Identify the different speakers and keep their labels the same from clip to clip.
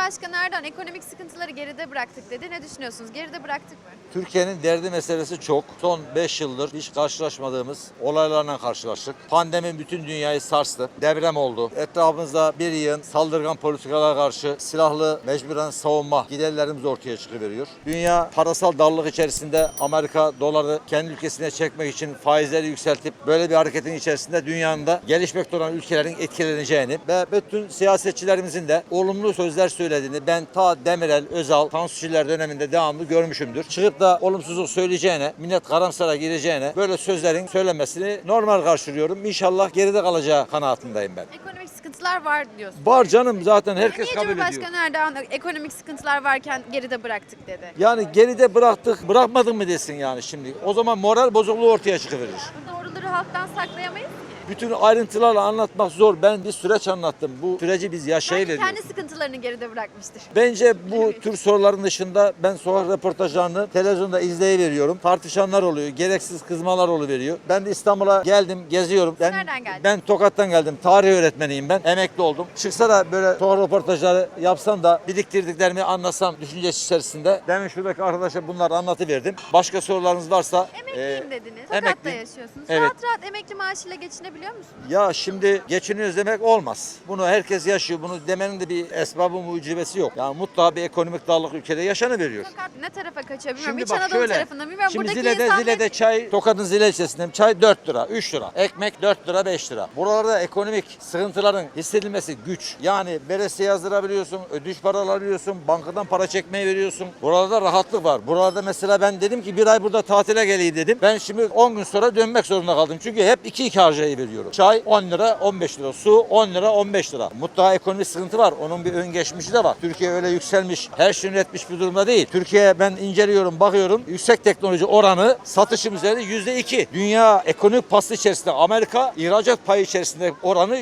Speaker 1: Cumhurbaşkanı Erdoğan ekonomik sıkıntıları geride bıraktık dedi. Ne düşünüyorsunuz? Geride bıraktık mı?
Speaker 2: Türkiye'nin derdi meselesi çok. Son 5 yıldır hiç karşılaşmadığımız olaylarla karşılaştık. Pandemi bütün dünyayı sarstı. Deprem oldu. Etrafımızda bir yığın saldırgan politikalara karşı silahlı mecburen savunma giderlerimiz ortaya çıkıveriyor. Dünya parasal darlık içerisinde Amerika doları kendi ülkesine çekmek için faizleri yükseltip böyle bir hareketin içerisinde dünyanın da gelişmekte olan ülkelerin etkileneceğini ve bütün siyasetçilerimizin de olumlu sözler söylediğini ben ta Demirel, Özal, Tansu Çiller döneminde devamlı görmüşümdür. Çıkıp da olumsuzluk söyleyeceğine, millet karamsara gireceğine böyle sözlerin söylenmesini normal karşılıyorum. İnşallah geride kalacağı kanaatindeyim ben.
Speaker 1: Ekonomik sıkıntılar var diyorsun.
Speaker 2: Var canım, zaten herkes
Speaker 1: Niye
Speaker 2: kabul ediyor.
Speaker 1: Cumhurbaşkanı Erdoğan ekonomik sıkıntılar varken geride bıraktık dedi?
Speaker 2: Yani geride bıraktık, bırakmadın mı desin yani şimdi. O zaman moral bozukluğu ortaya çıkıverir.
Speaker 1: Doğruları halktan saklayamayız ki.
Speaker 2: Bütün ayrıntılarla anlatmak zor. Ben bir süreç anlattım. Bu süreci biz
Speaker 1: Belki
Speaker 2: yaşayıveriyoruz.
Speaker 1: kendi sıkıntılarını geride bırakmıştır.
Speaker 2: Bence bu tür soruların dışında ben sokak röportajlarını televizyonda izleyiveriyorum. Tartışanlar oluyor, gereksiz kızmalar oluveriyor. Ben de İstanbul'a geldim, geziyorum.
Speaker 1: Nereden geldin?
Speaker 2: Ben Tokat'tan geldim. Tarih öğretmeniyim ben. Emekli oldum. Çıksa da böyle sokak röportajları yapsam da biriktirdiklerimi anlatsam düşüncesi içerisinde. Demin şuradaki arkadaşa bunları anlatıverdim. Başka sorularınız varsa...
Speaker 1: Emekliyim dediniz. Tokat'ta
Speaker 2: emekliyim.
Speaker 1: yaşıyorsunuz.
Speaker 2: Evet.
Speaker 1: Rahat rahat emekli maaşıyla geçinebiliyor musunuz?
Speaker 2: Ya şimdi geçiniyoruz demek olmaz. Bunu herkes yaşıyor. Bunu demenin de bir esbabı mucibesi yok. Yani mutlaka bir ekonomik darlık ülkede yaşanıveriyor.
Speaker 1: Tokat ne tarafa kaçıyor bilmiyorum.
Speaker 2: Şimdi
Speaker 1: İç
Speaker 2: bak
Speaker 1: Anadolu
Speaker 2: şöyle.
Speaker 1: tarafında bilmiyorum.
Speaker 2: Şimdi
Speaker 1: Buradaki
Speaker 2: Zile'de
Speaker 1: insan
Speaker 2: çay, Tokat'ın Zile ilçesinde çay 4 lira, 3 lira. Ekmek 4 lira, 5 lira. Buralarda ekonomik sıkıntıların hissedilmesi güç. Yani veresiye yazdırabiliyorsun, ödünç para alabiliyorsun, bankadan para çekmeye veriyorsun. Buralarda rahatlık var. Buralarda mesela ben dedim ki bir ay burada tatile geleyim dedim. Ben şimdi 10 gün sonra dönmek zorunda kaldım. Çünkü hep 2 harcayı veriyorum. Çay 10 lira, 15 lira. Su 10 lira, 15 lira. Mutlaka ekonomik sıkıntı var. Onun bir ön geçmişi de var. Türkiye öyle yükselmiş, her şeyi üretmiş bir durumda değil. Türkiye ben inceliyorum, bakıyorum. Yüksek teknoloji oranı satışım üzerinde %2. Dünya ekonomik pası içerisinde Amerika ihracat payı içerisinde oranı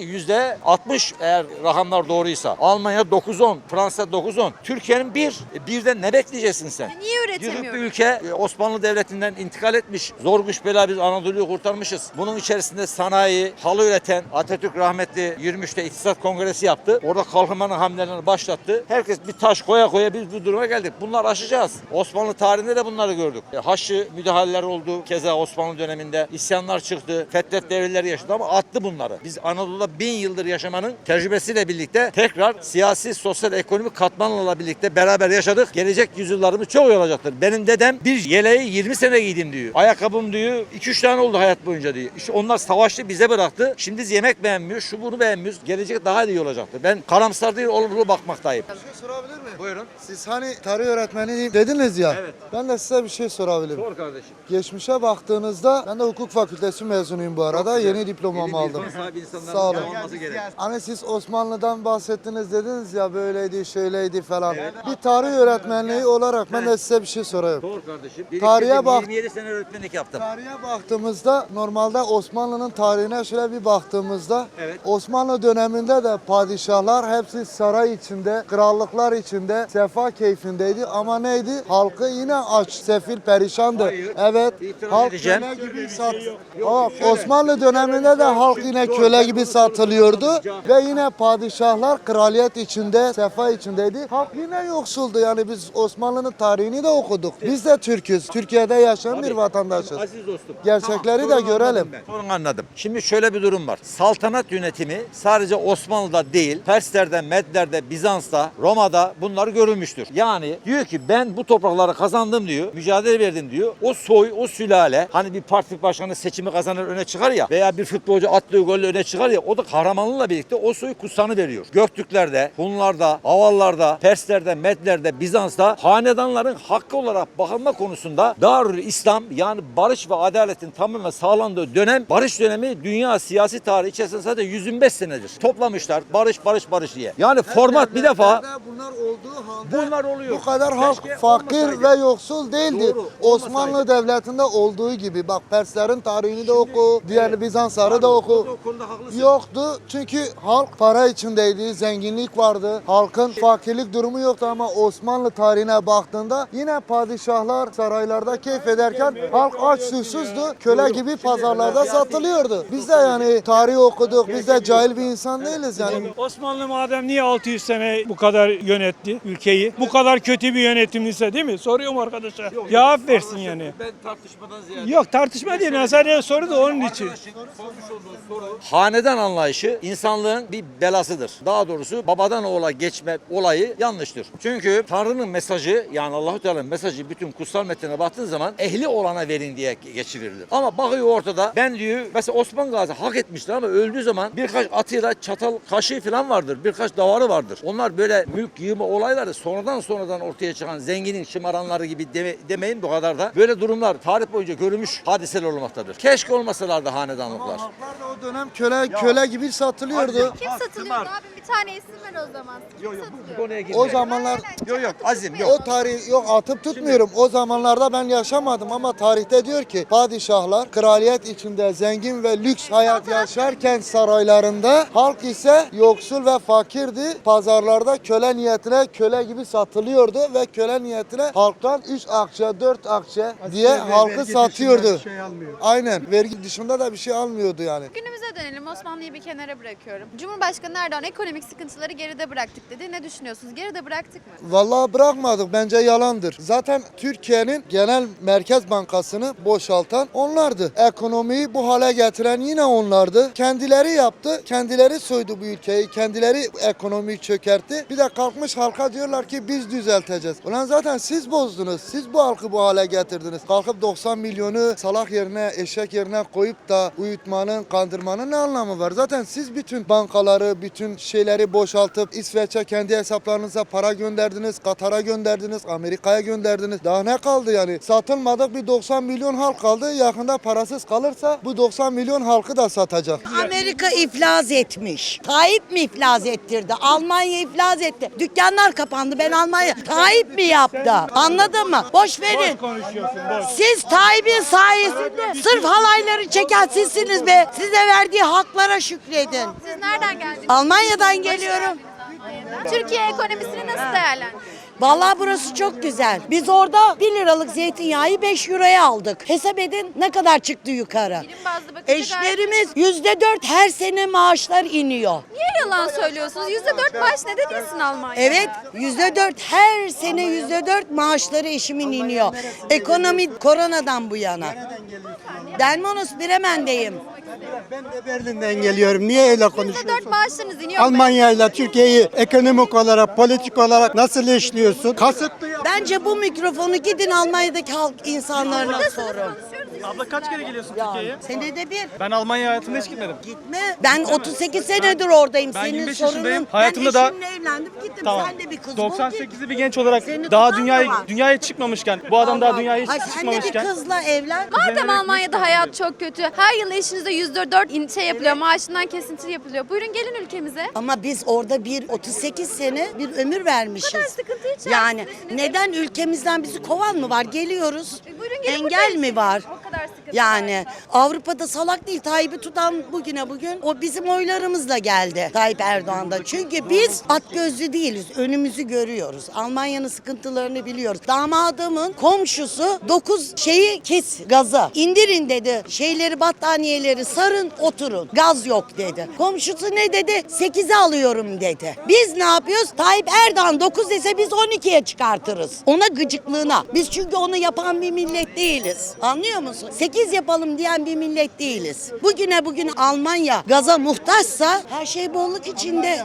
Speaker 2: %60 eğer rakamlar doğruysa. Almanya 9-10, Fransa 9-10. Türkiye'nin birden ne bekleyeceksin sen?
Speaker 1: niye
Speaker 2: Yıkık bir
Speaker 1: üretemiyoruz?
Speaker 2: ülke Osmanlı Devleti'nden intikal etmiş. Zor güç bela biz Anadolu'yu kurtarmışız. Bunun içerisinde sanayi, halı üreten Atatürk rahmetli 23'te İktisat Kongresi yaptı. Orada kalkınmanın hamlelerini başlattı. Herkes bir taş koya koya biz bu duruma geldik. Bunları aşacağız. Osmanlı tarihinde de bunları gördük. Haçlı müdahaleler oldu. Keza Osmanlı döneminde isyanlar çıktı. Fetret devirleri yaşadı ama attı bunları. Biz Anadolu'da 1000 yıldır yaşamanın tecrübesiyle birlikte tekrar siyasi, sosyal, ekonomik katmanlarla birlikte beraber yaşadık. Gelecek yüzyıllarımız çok iyi olacaktır. Benim dedem bir yeleği 20 sene giydim diyor. Ayakkabım diyor 2-3 tane oldu hayat boyunca diyor. İşte onlar savaştı bize bıraktı. Şimdi biz yemek beğenmiyoruz, şu bunu beğenmiyoruz. Gelecek daha iyi olacaktır. Ben karamsar değil, olumlu bakmaktayım.
Speaker 3: Bir şey sorabilir miyim?
Speaker 2: Buyurun.
Speaker 3: Siz hani tarih öğretmeni dediniz ya.
Speaker 2: Evet.
Speaker 3: Ben de size bir şey sorabilirim.
Speaker 2: Sor kardeşim.
Speaker 3: Geçmişe baktığınızda ben de hukuk fakültesi mezunuyum bu arada. Yeni diplomamı aldım. Sağ olun. Hani siz Osmanlı'dan bahsettiniz dediniz ya böyleydi, şöyleydi falan. Bir tarih öğretmenliği olarak ben de size bir şey sorayım.
Speaker 2: Sor kardeşim.
Speaker 3: Tarihe bak.
Speaker 2: 27 sene öğretmenlik yaptım.
Speaker 3: Tarihe baktığımızda normalde Osmanlı'nın tarihine şöyle bir baktığımızda
Speaker 2: Evet.
Speaker 3: Osmanlı döneminde de padişahlar hepsi saray içinde, krallıklar içinde sefa keyfindeydi ama neydi? Halkı yine aç, sefil, perişandı.
Speaker 2: Hayır.
Speaker 3: Evet.
Speaker 2: İtiraz
Speaker 3: Halk
Speaker 2: edeceğim.
Speaker 3: köle gibi Osmanlı döneminde de halk yine köle gibi satılıyordu ve yine padişahlar kraliyet içinde, sefa içindeydi. Halk yine yoksuldu. Yani biz Osmanlı'nın tarihini de okuduk. Biz de Türk'üz. Türkiye'de yaşayan bir vatandaşız.
Speaker 2: Aziz dostum.
Speaker 3: Gerçekleri de
Speaker 2: sorunu
Speaker 3: görelim.
Speaker 2: anladım ben. Sorunu anladım. Şimdi şöyle bir durum var. Saltanat yönetimi sadece Osmanlı'da değil, Persler'de, Medler'de, Bizans'ta, Roma'da bunlar görülmüştür. Yani diyor ki ben bu toprakları kazandım diyor, mücadele verdim diyor. O soy, o sülale, hani bir parti başkanı seçimi kazanır öne çıkar ya veya bir futbolcu attığı golle öne çıkar ya, o da kahramanlığıyla birlikte o soyu kutsanı veriyor. Göktürklerde, Hunlarda, Avallarda, Persler'de, Medler'de, Bizans'ta hanedanların hakkı olarak bakılma konusunda Darül İslam yani barış ve adaletin tamamen sağlandığı dönem, barış dönemi dünya siyasi tarihi içerisinde sadece 125 senedir. Toplamışlar barış barış barış diye. Yani format bir defa
Speaker 3: Bunlar olduğu halde
Speaker 2: bunlar oluyor.
Speaker 3: bu kadar halk
Speaker 2: Keşke
Speaker 3: fakir
Speaker 2: olmasaydı.
Speaker 3: ve yoksul değildi.
Speaker 2: Doğru,
Speaker 3: Osmanlı
Speaker 2: olmasaydı.
Speaker 3: devletinde olduğu gibi bak Perslerin tarihini de oku, diğer Bizansları da oku.
Speaker 2: O konuda haklısın.
Speaker 3: Yoktu çünkü halk para içindeydi, zenginlik vardı. Halkın fakirlik durumu yoktu ama Osmanlı tarihine baktığında yine padişahlar saraylarda keyif ederken halk aç susuzdu. Köle gibi pazarlarda satılıyordu. Biz de yani tarih okuduk, biz de cahil bir insan değiliz yani.
Speaker 4: Osmanlı madem niye 600 sene bu kadar yönetti ülkeyi? Bu kadar kötü bir yönetimliyse değil mi? Soruyorum arkadaşa. Cevap versin yani.
Speaker 2: Ben tartışmadan ziyade.
Speaker 4: Yok tartışma değil. Sadece soru da onun için.
Speaker 2: Hanedan anlayışı insanlığın bir belasıdır. Daha doğrusu babadan oğula geçme olayı yanlıştır. Çünkü Tanrı'nın mesajı, yani Allahu Teala'nın mesajı bütün kutsal metnine baktığın zaman ehli olana verin diye geçirilir. Ama bakıyor ortada, ben diyor mesela Osman Gazi hak etmiştir ama öldüğü zaman birkaç atıyla çatal kaşığı falan vardır. Birkaç davarı vardır. Onlar böyle mülk yığma olayları sonradan ortaya çıkan zenginin şımaranları gibi demeyin, bu kadar da. Böyle durumlar tarih boyunca görülmüş hadiseler olmaktadır. Keşke olmasalardı hanedanlıklar.
Speaker 3: Halklar da o dönem köle gibi satılıyordu.
Speaker 1: Kim satılıyordu abi? Bir tane isim ver o zaman. Kim satılıyor?
Speaker 3: O zamanlar
Speaker 2: Yok azim yok.
Speaker 3: o tarih yok, atıp tutmuyorum. O zamanlarda ben yaşamadım ama tarihte diyor ki padişahlar kraliyet içinde zengin ve lüks hayat yaşarken saraylarında, halk ise yoksul ve fakirdi. Pazarlarda köle niyetine köle gibi satılıyordu ve köle niyetine halktan 3 akçe 4 akçe diye halkı satıyordu. Aynen, vergi dışında da bir şey almıyordu yani.
Speaker 1: Günümüze dönelim. Osmanlı'yı bir kenara bırakıyorum. Cumhurbaşkanı Erdoğan ekonomik sıkıntıları geride bıraktık dedi. Ne düşünüyorsunuz? Geride bıraktık mı?
Speaker 3: Vallahi bırakmadık, bence yalandır. Zaten Türkiye'nin genel merkez bankasını boşaltan onlardı. Ekonomiyi bu hale getiren yine onlardı. Kendileri yaptı, kendileri soydu bu ülkeyi, kendileri ekonomiyi çökertti. Bir de kalkmış halka diyorlar ki biz düzelteceğiz. Ulan zaten siz bozdunuz, siz bu halkı bu hale getirdiniz. Kalkıp 90 milyonu salak yerine, eşek yerine koyup da uyutmanın, kandırmanın ne anlamı var? Zaten siz bütün bankaları, bütün şeyleri boşaltıp İsveç'e kendi hesaplarınıza para gönderdiniz, Katar'a gönderdiniz, Amerika'ya gönderdiniz. Daha ne kaldı yani? Satılmadık bir 90 milyon halk kaldı. Yakında parasız kalırsa bu 90 milyon halkı da satacak.
Speaker 5: Amerika iflas etmiş. Tayyip mi iflas ettirdi? Almanya iflas etti. Dükkanlar kapandı. Ben Almanya. Tayyip mi yaptı? Anladın mı? Boş verin.
Speaker 4: Konuşuyorsun boş.
Speaker 5: Siz Tayyip'in sayesinde sırf halayları çeken sizsiniz be. Size verdiği haklara şükredin.
Speaker 1: Siz nereden geldiniz?
Speaker 5: Almanya'dan geliyorum.
Speaker 1: Türkiye ekonomisini nasıl değerlendiriyorsunuz?
Speaker 5: Vallahi burası çok güzel. Biz orada 1 liralık zeytinyağı 5 euroya aldık. Hesap edin ne kadar çıktı yukarı.
Speaker 1: Birim bazlı bakınca
Speaker 5: Eşlerimiz %4 her sene maaşlar iniyor.
Speaker 1: Niye yalan söylüyorsunuz? %4 maaş neden insin Almanya?
Speaker 5: Evet, %4 her sene %4 maaşları eşimin iniyor. Ekonomi koronadan bu yana. Delmonos Bremen'deyim.
Speaker 6: Ben de Berlin'den geliyorum. Niye öyle konuşuyorsun?
Speaker 1: %4 maaşlarınız iniyor.
Speaker 6: Almanya ile Türkiye'yi ekonomik olarak, politik olarak nasıl işliyorsun? Kasıtlı ya.
Speaker 5: Bence bu mikrofonu gidin Almanya'daki halk insanlarına sorun.
Speaker 7: Abla kaç kere geliyorsun Türkiye'ye?
Speaker 5: Senede bir.
Speaker 7: Ben Almanya hayatımda hiç gitmedim.
Speaker 5: Gitme. Ben 38 senedir oradayım.
Speaker 7: Ben
Speaker 5: Senin
Speaker 7: 25
Speaker 5: sorunun.
Speaker 7: yaşındayım. Hayatımda
Speaker 5: ben
Speaker 7: da-
Speaker 5: eşimle evlendim gittim.
Speaker 7: Tamam.
Speaker 5: Sen de bir kız bul, git.
Speaker 7: 98'li bir genç olarak
Speaker 5: Senin
Speaker 7: daha
Speaker 5: kızın
Speaker 7: dünyaya
Speaker 5: mı var?
Speaker 7: dünyaya çıkmamışken, bu adam daha dünyaya hiç
Speaker 5: Ay, sen de bir
Speaker 7: çıkmamışken.
Speaker 5: kızla evlen.
Speaker 1: Madem Almanya'da hayat çok kötü, her yıl eşinize %4 şey yapılıyor, maaşından kesinti yapılıyor. Buyurun gelin ülkemize.
Speaker 5: Ama biz orada 38 sene bir ömür vermişiz.
Speaker 1: Bu kadar sıkıntı içerisindesiniz.
Speaker 5: Yani neden ülkemizden bizi kovan mı var? Geliyoruz.
Speaker 1: Buyurun gelin burada
Speaker 5: Engel mi
Speaker 1: yaşayın.
Speaker 5: var?
Speaker 1: O kadar sıkıntı
Speaker 5: Yani Avrupa'da salak değil. Tayyip'i tutan bugüne bugün o bizim oylarımızla geldi Tayyip Erdoğan'da. Çünkü biz at gözlü değiliz. Önümüzü görüyoruz. Almanya'nın sıkıntılarını biliyoruz. Damadımın komşusu 9 şeyi kes gazı. İndirin dedi. Şeyleri battaniyeleri sarın oturun. Gaz yok dedi. Komşusu ne dedi? 8'e alıyorum dedi. Biz ne yapıyoruz? Tayyip Erdoğan 9 dese biz 12'ye çıkartırız. Ona gıcıklığına. Biz çünkü onu yapan bir millet değiliz. Anlıyor musun? 8 yapalım diyen bir millet değiliz. Bugüne bugün Almanya gaza muhtaçsa her şey bolluk içinde.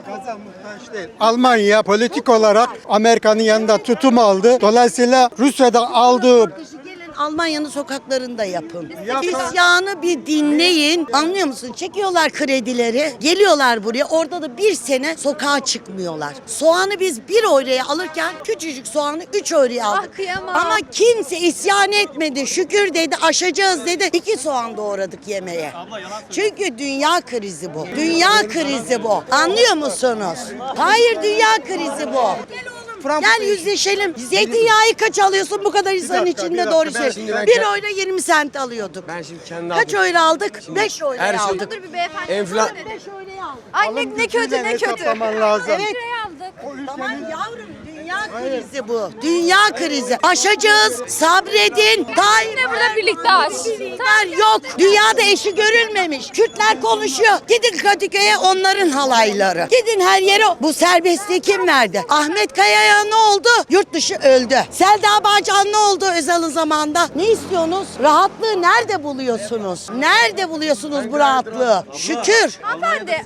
Speaker 6: Almanya politik olarak Amerika'nın yanında tutum aldı. Dolayısıyla Rusya'da aldığı
Speaker 5: Gelin Almanya'nın sokaklarında yapın. İsyanı bir dinleyin. Anlıyor musun? Çekiyorlar kredileri. Geliyorlar buraya. Orada da bir sene sokağa çıkmıyorlar. Soğanı biz 1 euroya alırken küçücük soğanı 3 euroya aldık.
Speaker 1: Ah, kıyamam.
Speaker 5: Ama kimse isyan etmedi. Şükür dedi. Aşacağız dedi. 2 soğan doğradık yemeğe. Çünkü dünya krizi bu. Dünya krizi bu. Anlıyor musunuz? Hayır, dünya krizi bu. Gel yüzleşelim. Zeytinyağı kaç alıyorsun bu kadar insanın içinde doğru
Speaker 8: Ben
Speaker 5: şey.
Speaker 8: şimdi ben
Speaker 5: 1 euro 20 sent alıyorduk.
Speaker 8: Ben şimdi kendi
Speaker 5: Kaç euro aldık? 5 euro
Speaker 8: her şey-
Speaker 5: aldık.
Speaker 1: Dur bir beyefendi.
Speaker 8: Enfla-
Speaker 1: müsaade edin.
Speaker 5: 5 euroya aldık.
Speaker 1: Ay ne kötü ne kötü.
Speaker 6: hesaplaman lazım.
Speaker 5: Evet.
Speaker 1: Liraya aldık.
Speaker 5: Tamam yavrum, dünya Dünya krizi bu. Dünya krizi. Aşacağız. Sabredin. Yine
Speaker 8: burada birlikte aç.
Speaker 5: Yok. Dünyada eşi görülmemiş. Kürtler konuşuyor. Gidin Kadıköy'e, onların halayları. Gidin her yere. Bu serbestliği kim verdi? Ahmet Kaya'ya ne oldu? Yurt dışı öldü. Selda Bağcan ne oldu Özal'ın zamanında? Ne istiyorsunuz? Rahatlığı nerede buluyorsunuz? Nerede buluyorsunuz bu rahatlığı? Şükür.
Speaker 1: Hanımefendi.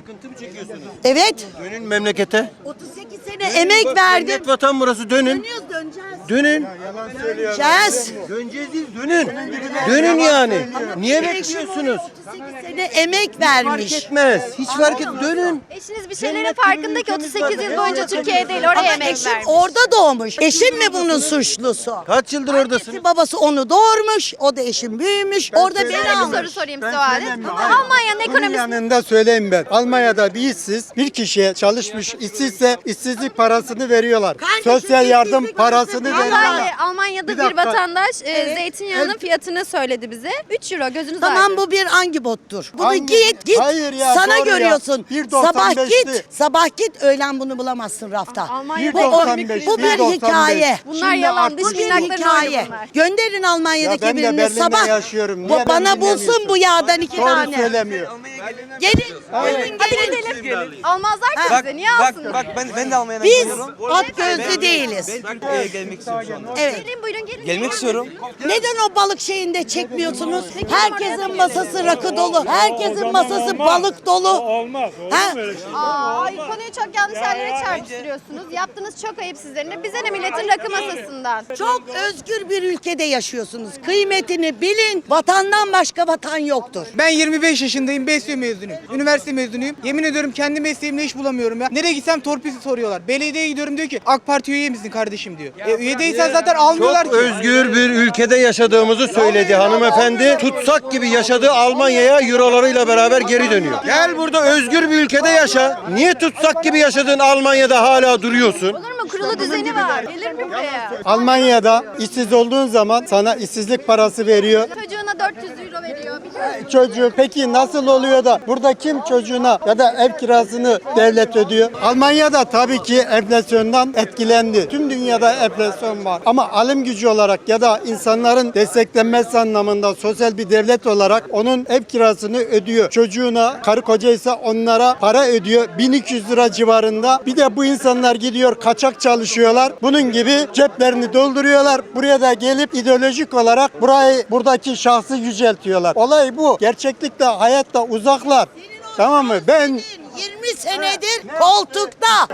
Speaker 5: Evet.
Speaker 9: Dönün memlekete.
Speaker 5: 38 sene emek verdim.
Speaker 9: Cennet vatan burası, dönün.
Speaker 5: Döneceğiz.
Speaker 9: Dönün.
Speaker 5: Döneceğiz.
Speaker 9: Döneceğiz değil, dönün. Dönün yani. Niye bekliyorsunuz?
Speaker 5: 38 sene emek
Speaker 9: Fark
Speaker 5: vermiş.
Speaker 9: etmez. Hiç fark et. Dönün.
Speaker 1: Eşiniz bir şeylerin farkında ki 38 yıl boyunca Türkiye değil oraya
Speaker 5: Ama
Speaker 1: emek
Speaker 5: eşim
Speaker 1: vermiş.
Speaker 5: orada doğmuş. Eşim mi bunun suçlusu?
Speaker 9: Kaç yıldır oradasın?
Speaker 5: Annesi babası onu doğurmuş. O da eşim büyümüş. Orada beni
Speaker 1: Şöyle bir
Speaker 5: almış.
Speaker 1: soru sorayım size o halde. Almanya'nın
Speaker 6: Bunun
Speaker 1: ekonomisi
Speaker 6: yanında söyleyeyim ben. Almanya'da bir işsiz bir kişiye çalışmış işsizse işsizlik parasını veriyorlar.
Speaker 5: Kardeşim,
Speaker 6: Sosyal yardım
Speaker 5: işsizlik
Speaker 6: parasını
Speaker 5: parası-
Speaker 6: veriyorlar.
Speaker 1: Vallahi Almanya'da
Speaker 6: Bir
Speaker 1: bir
Speaker 6: dakika.
Speaker 1: vatandaş zeytinyağının fiyatını söyledi bize. 3 euro gözünüz
Speaker 5: Tamam,
Speaker 1: aydın.
Speaker 5: bu bir hangi bottur? Bunu
Speaker 6: Hangi-
Speaker 5: git.
Speaker 6: Hayır ya,
Speaker 5: Sana
Speaker 6: doğru ya.
Speaker 5: görüyorsun.
Speaker 6: 1.95'ti.
Speaker 5: Sabah git öğlen bunu bulamazsın rafta.
Speaker 1: Almanya'da
Speaker 5: Bu, o-
Speaker 6: 1.95,
Speaker 5: bu bir
Speaker 6: 1.95.
Speaker 5: hikaye.
Speaker 1: Bunlar
Speaker 6: Şimdi
Speaker 1: yalan.
Speaker 6: artık
Speaker 1: Dış
Speaker 5: Bu bir
Speaker 1: minnakların
Speaker 5: hikaye.
Speaker 1: oyunu bunlar.
Speaker 5: Gönderin Almanya'daki
Speaker 6: Ya ben de
Speaker 5: birini
Speaker 6: Berlin'de
Speaker 5: sabah.
Speaker 6: yaşıyorum.
Speaker 5: Bu
Speaker 6: Niye beni
Speaker 5: bana bulsun
Speaker 6: dinlemiyorsun?
Speaker 5: bu yağdan 2
Speaker 6: Doğru
Speaker 5: tane.
Speaker 6: söylemiyor.
Speaker 5: Gelin. Buyurun
Speaker 1: Hadi
Speaker 5: gelin.
Speaker 1: gidelim. Almazlar ki bize. Niye alsınlar?
Speaker 10: Ben de Almanya'dan
Speaker 5: Biz
Speaker 10: geliyorum.
Speaker 5: at gözlü değiliz.
Speaker 10: Türkiye'ye gelmek istiyorum şu anda.
Speaker 5: Evet.
Speaker 1: Gelin buyurun gelin.
Speaker 10: Gelmek istiyorum.
Speaker 5: Neden o balık şeyinde çekmiyorsunuz? Herkesin masası rakı dolu. Herkesin masası balık dolu.
Speaker 4: Olmaz. Olur
Speaker 5: Ha?
Speaker 4: mu öyle şey?
Speaker 1: Konuyu çok yanlış yerlere çarpıtırıyorsunuz. Yaptığınız çok ayıp sizlerin de. Bize ne milletin rakı masasından.
Speaker 5: Çok özgür bir ülkede yaşıyorsunuz. Kıymetini bilin. Vatandan başka vatan yoktur.
Speaker 10: Ben 25 yaşındayım, BESYO mezunuyum. Üniversite mezunuyum. Yemin ediyorum kendi mesleğimde iş bulamıyorum ya. Nereye gitsem torpil soruyorlar. Belediyeye gidiyorum diyor ki AK Parti üye misin kardeşim diyor. Üye değilsen zaten almıyorlar
Speaker 9: Çok
Speaker 10: ki.
Speaker 9: özgür bir ülkede yaşadığımızı söyledi hanımefendi. Tutsak gibi yaşadığı Almanya'ya eurolarıyla beraber geri dönüyor. Gel burada özgür bir ülkede yaşa. Niye tutsak gibi yaşadığın Almanya'da hala duruyorsun?
Speaker 1: Olur mu? Kurulu düzeni var. Gelir mi buraya?
Speaker 6: Almanya'da işsiz olduğun zaman sana işsizlik parası veriyor.
Speaker 1: Çocuğuna 400 euro veriyor. Biliyor musun?
Speaker 6: Çocuk peki nasıl oluyor da burada kim çocuğuna ya da ev kirasını devlet ödüyor? Almanya'da tabii ki enflasyondan etkilendi. Tüm dünyada enflasyon var. Ama alım gücü olarak ya da insanların desteklenmesi anlamında sosyal bir devlet olarak onun ev kirasını ödüyor. Çocuğuna, karı kocaysa onlara para ödüyor. 1200 lira civarında. Bir de bu insanlar gidiyor kaçak çalışıyorlar. Bunun gibi ceplerini dolduruyorlar. Buraya da gelip ideolojik olarak buradaki şahsı yüceltiyorlar. Olay bu. Gerçeklikte hayatta uzaklar. Tamam mı? Ben
Speaker 5: 20 senedir koltukta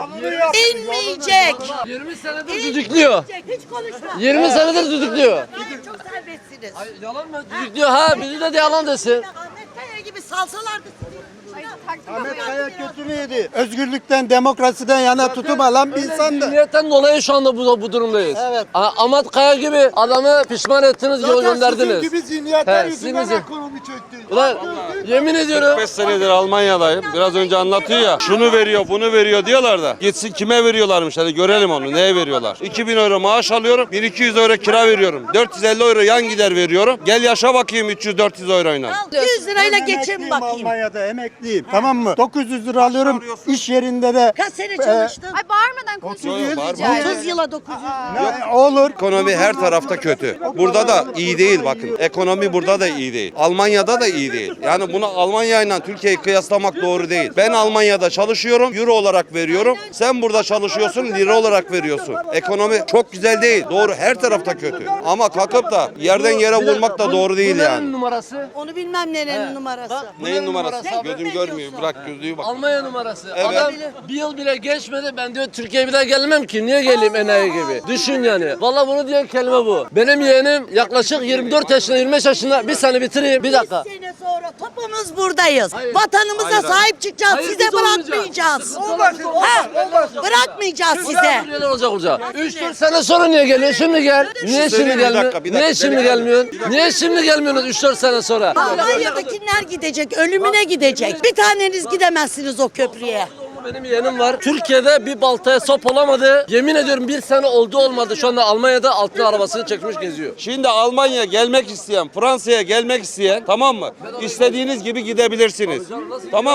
Speaker 5: inmeyecek.
Speaker 10: 20 senedir düdüklüyor.
Speaker 5: Hiç konuşma.
Speaker 10: 20 senedir düdüklüyor.
Speaker 5: Gayet çok serbestsiniz.
Speaker 10: Yalan mı? Düdüklüyor ha. Bizi de yalan desin.
Speaker 5: Ahmet Kaya gibi salsalardı sizi.
Speaker 6: Ahmet Kaya kötü müydü? Özgürlükten, demokrasiden yana tutum alan bir insandı.
Speaker 10: Niyetten dolayı şu anda bu durumdayız.
Speaker 6: Evet.
Speaker 10: Ahmet Kaya gibi adamı pişman ettiniz, yol
Speaker 6: Zaten
Speaker 10: gönderdiniz.
Speaker 6: sizin gibi zihniyetler
Speaker 10: He,
Speaker 6: yüzünden
Speaker 10: sizin-
Speaker 6: ekonomi çöktü.
Speaker 10: Ulan yemin ediyorum.
Speaker 11: 5 senedir Almanya'dayım. Biraz önce anlatıyor ya. Şunu veriyor, bunu veriyor diyorlar da. Gitsin kime veriyorlarmış hadi görelim onu. Neye veriyorlar? 2000 euro maaş alıyorum. 1200 euro kira veriyorum. 450 euro yan gider veriyorum. Gel yaşa bakayım 300-400 euroyla.
Speaker 5: 100 lirayla geçin
Speaker 6: Emekliyim
Speaker 5: bakayım.
Speaker 6: Almanya'da emekliyim. Tamam mı? 900 lira alıyorum. İş yerinde de
Speaker 5: Kaç sene çalıştın?
Speaker 1: Ay bağırmadan konuşuyoruz.
Speaker 11: Yok, bağırma.
Speaker 1: rica ederim.
Speaker 5: 30 yıla 900.
Speaker 6: olur.
Speaker 11: Ekonomi her tarafta kötü. Burada da iyi değil bakın. Ekonomi burada da iyi değil. Almanya'da da iyi değil. Yani bunu Almanya ile Türkiye'yi kıyaslamak doğru değil. Ben Almanya'da çalışıyorum, euro olarak veriyorum. Sen burada çalışıyorsun, lira olarak veriyorsun. Ekonomi çok güzel değil. Doğru, her tarafta kötü. Ama kalkıp da yerden yere vurmak da doğru değil yani.
Speaker 10: Numarası.
Speaker 5: Onu bilmem nerenin numarası.
Speaker 11: Neyin numarası? Gözüm görmüyor. Bırak gözlüğü bak.
Speaker 10: Almanya numarası.
Speaker 11: Evet.
Speaker 10: Adam bir yıl bile geçmedi. Ben diyor Türkiye'ye bir daha gelmem ki. Niye geleyim enayi gibi? Düşün yani. Vallahi bunu diyen kelime bu. Benim yeğenim yaklaşık 24 yaşında 25 yaşında. Bir sene bitireyim. Bir dakika.
Speaker 5: 100 sene sonra topumuz buradayız. Vatanımıza
Speaker 11: Hayır.
Speaker 5: sahip çıkacağız.
Speaker 10: Hayır,
Speaker 5: Size
Speaker 10: biz olmayacağız.
Speaker 5: bırakmayacağız.
Speaker 10: Olmaz.
Speaker 5: Ha, bırakmayacağız size.
Speaker 10: Neler olacak olacak. 3-4 sene sonra niye geliyor? Şimdi gel. Niye şimdi
Speaker 11: söyleyeyim, bir
Speaker 10: gelmiyor?
Speaker 11: dakika, bir dakika.
Speaker 10: Niye şimdi gelmiyorsun? Niye şimdi gelmiyorsunuz 3-4 sene sonra?
Speaker 5: Almanya'dakiler gidecek, ölümüne gidecek. Bir taneniz gidemezsiniz o köprüye.
Speaker 10: Benim yeğenim var. Türkiye'de bir baltaya sap olamadı. Yemin ediyorum bir sene oldu olmadı. Şu anda Almanya'da altına arabasını çekmiş geziyor.
Speaker 11: Şimdi Almanya gelmek isteyen, Fransa'ya gelmek isteyen tamam mı? İstediğiniz gibi gidebilirsiniz. Tamam mı?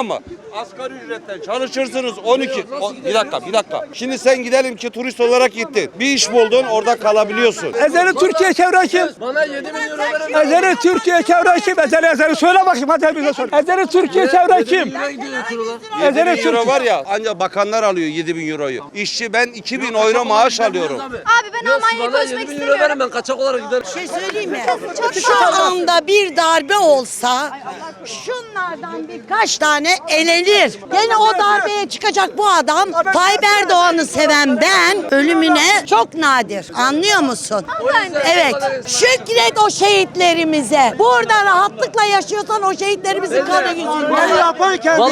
Speaker 11: Asgari ücretten çalışırsınız 12. Bir dakika. Şimdi sen gidelim ki turist olarak gittin. Bir iş buldun, orada kalabiliyorsun.
Speaker 4: Ezeli Türkiye çevre kim?
Speaker 10: Bana 7 bin euro verin.
Speaker 4: Ezeli Türkiye çevre kim? Ezeli söyle bakayım hadi bize sor. Ezeli Türkiye çevre kim?
Speaker 11: 7 bin euro var ya, ancak bakanlar alıyor 7 bin euroyu. İşçi ben 2 bin euro maaş alıyorum.
Speaker 1: Abi ben Almanya'ya
Speaker 10: Bana
Speaker 1: koşmak
Speaker 10: 7 bin euro verin,
Speaker 1: istemiyorum.
Speaker 10: ben kaçak olarak giderim.
Speaker 5: Bir şey söyleyeyim mi?
Speaker 1: Çok
Speaker 5: Şu
Speaker 1: sağ olun.
Speaker 5: anda bir darbe olsa şunlardan birkaç tane elenir. Gene o darbeye çıkacak bu adam. Tayyip Erdoğan'ı seven ben ölümüne çok nadir. Anlıyor musun? Evet. Şükret o şehitlerimize. Burada rahatlıkla yaşıyorsan o şehitlerimizin kanı yüzünden.
Speaker 6: Yapan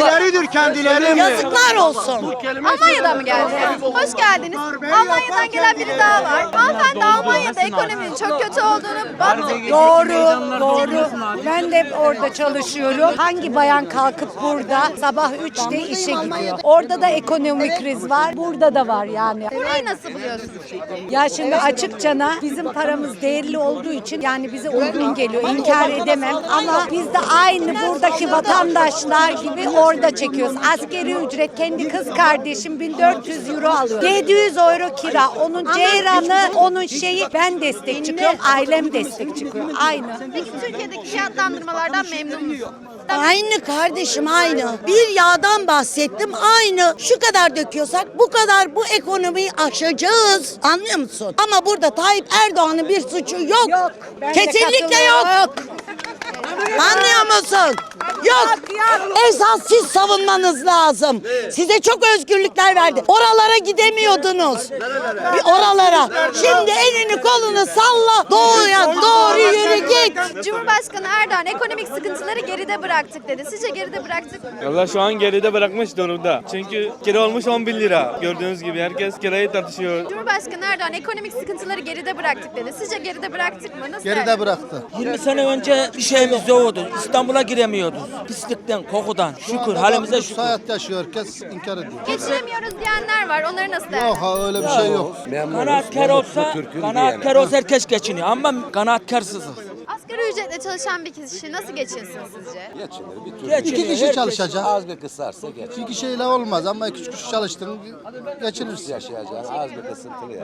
Speaker 6: kendileri.
Speaker 5: Yazıklar olsun.
Speaker 1: Almanya'dan mı geldiniz? Hoş geldiniz. Almanya'dan gelen biri daha var. Hanımefendi Almanya'da ekonominin çok kötü olduğunu battı.
Speaker 8: Doğru. Ben de orada çalışıyorum. Hangi bayan kalkıp burada sabah 3'te işe gidiyor? Orada da ekonomik kriz var. Burada da var yani.
Speaker 1: Burayı nasıl buluyorsunuz?
Speaker 8: Ya şimdi açıkçana bizim paramız değerli olduğu için yani bize uygun geliyor. İnkar edemem ama biz de aynı buradaki vatandaşlar gibi orada çekiyoruz. Askeri ücret kendi kız kardeşim 1400 euro alıyor. 700 euro kira. Onun ceyranı, onun şeyi ben destek çıkıyorum. Ailem destek çıkıyor. Aynı.
Speaker 1: Peki Türkiye'deki fiyatlandırmalardan memnun musunuz?
Speaker 5: Aynı kardeşim aynı. Bir yağdan bahsettim aynı. Şu kadar döküyorsak bu kadar bu ekonomiyi aşacağız. Anlıyor musun? Ama burada Tayyip Erdoğan'ın bir suçu yok.
Speaker 8: Yok. Ben de
Speaker 5: Kesinlikle yok.
Speaker 8: katılıyorum.
Speaker 5: Anlıyor musun? Yok. Esas siz savunmanız lazım. Size çok özgürlükler verdi. Oralara gidemiyordunuz. Bir oralara. Şimdi elini kolunu salla. Doğuya doğru yürü git.
Speaker 1: Cumhurbaşkanı Erdoğan ekonomik sıkıntıları geride bıraktık dedi. Sizce geride bıraktık mı?
Speaker 7: Valla şu an geride bırakmış durumda. Çünkü kira olmuş 10 bin lira. Gördüğünüz gibi herkes kirayı tartışıyor.
Speaker 1: Cumhurbaşkanı Erdoğan ekonomik sıkıntıları geride bıraktık dedi. Sizce geride bıraktık mı? Nasıl
Speaker 3: Geride bıraktı.
Speaker 10: 20 sene önce bir şeyimiz yoktu. İstanbul'a giremiyorduk. Pislikten, kokudan. Şükür halimize şükür.
Speaker 3: Hayat yaşıyor, herkes inkar ediyor.
Speaker 1: Geçiremiyoruz diyenler var. Onları nasıl
Speaker 3: Yok
Speaker 1: değerlendiriyorsunuz?
Speaker 3: ha öyle bir şey yok.
Speaker 10: Kanaatkar olsa herkes geçiniyor ama kanaatkarsızız.
Speaker 1: Asgari ücretle çalışan bir kişi nasıl geçinsin sizce?
Speaker 3: İki kişi çalışacak.
Speaker 2: Az bir kısarsa geç.
Speaker 3: İki kişiyle olmaz ama iki üç kişi çalıştın geçinirsin.
Speaker 2: Yaşayacağın az bir kısıntılı ya.